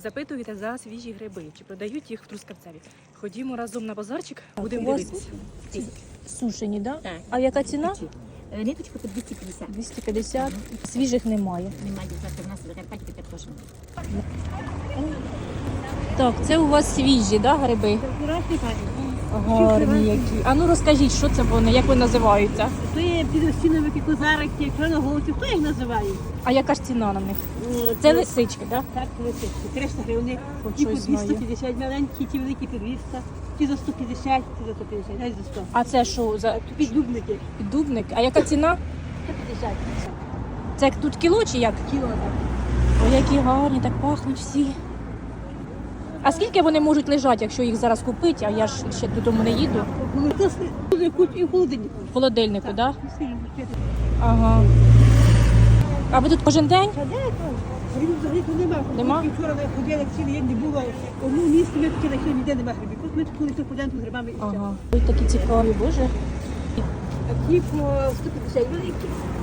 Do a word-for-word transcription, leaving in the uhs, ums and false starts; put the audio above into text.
запитуєте за свіжі гриби, чи продають їх в Трускавцеві. Ходімо разом на базарчик, будемо у вас дивитися. Сушені, да? Так. А яка ціна? Е, Ниточка по двісті п'ятдесят. двісті п'ятдесят. Свіжих немає. Немає завтра в нас в Закарпатті так теж. Так, це у вас свіжі, да, гриби? Гарні які. А ну розкажіть, що це вони, як вони називаються? То є підостіновики, козарики, чорноголовці, хто їх називає? А яка ж ціна на них? Це лисички, так? Да? Так, лисички. триста гривень, Хоч ті по щось знаю. двісті п'ятдесят маленькі, ті великі по двісті, ті за сто п'ятдесят, ті за сто п'ятдесят, навіть за сто. А це що за Піддубники, піддубник? А яка ціна? сто п'ятдесят. Це тут кіло чи як? Кіло так. Ой, які гарні, так пахнуть всі. А скільки вони можуть лежати, якщо їх зараз купити, а я ж ще додому не їду? Коли хтось буде куть і в холодильнику. В холодильнику, так? Да? Сильно купити. Ага. А ви тут кожен день? А де то? Грибів взагалі тут нема. Нема? Ми вчора ми ходили цілий день, не було. Одну місце ми хотіли, що ніде нема грибів. От ми тут коли тут ходимо з грибами і все. Ага. Ой, такі цікаві, боже. А ті по сто п'ятдесят великі.